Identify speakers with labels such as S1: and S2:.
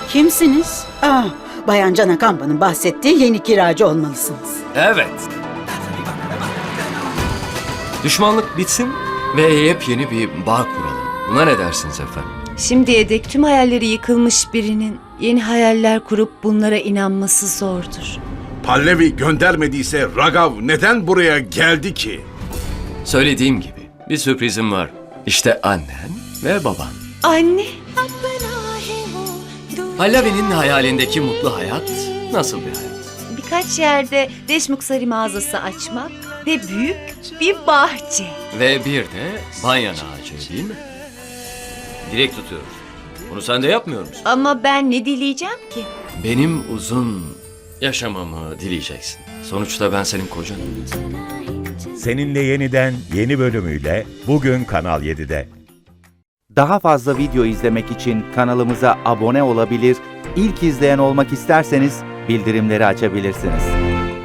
S1: Kimsiniz? Bayan Can Akamba'nın bahsettiği yeni kiracı olmalısınız.
S2: Evet. Düşmanlık bitsin ve yepyeni bir bağ kuralım. Buna ne dersiniz efendim?
S3: Şimdiye dek tüm hayalleri yıkılmış birinin yeni hayaller kurup bunlara inanması zordur.
S4: Pallavi göndermediyse Ragav neden buraya geldi ki?
S2: Söylediğim gibi bir sürprizim var. İşte annen ve baban.
S3: Anne,
S2: Pallavi'nin hayalindeki mutlu hayat nasıl bir hayat?
S3: birkaç yerde Deşmuksari mağazası açmak ve büyük bir bahçe.
S2: Ve bir de banyan ağacı değil mi? Dilek tutuyoruz. Bunu sen de yapmıyor musun?
S3: Ama ben ne dileyeceğim ki?
S2: Benim uzun yaşamamı dileyeceksin. Sonuçta ben senin kocanım.
S5: Seninle Yeniden yeni bölümüyle bugün Kanal 7'de.
S6: Daha fazla video izlemek için kanalımıza abone olabilir, ilk izleyen olmak isterseniz bildirimleri açabilirsiniz.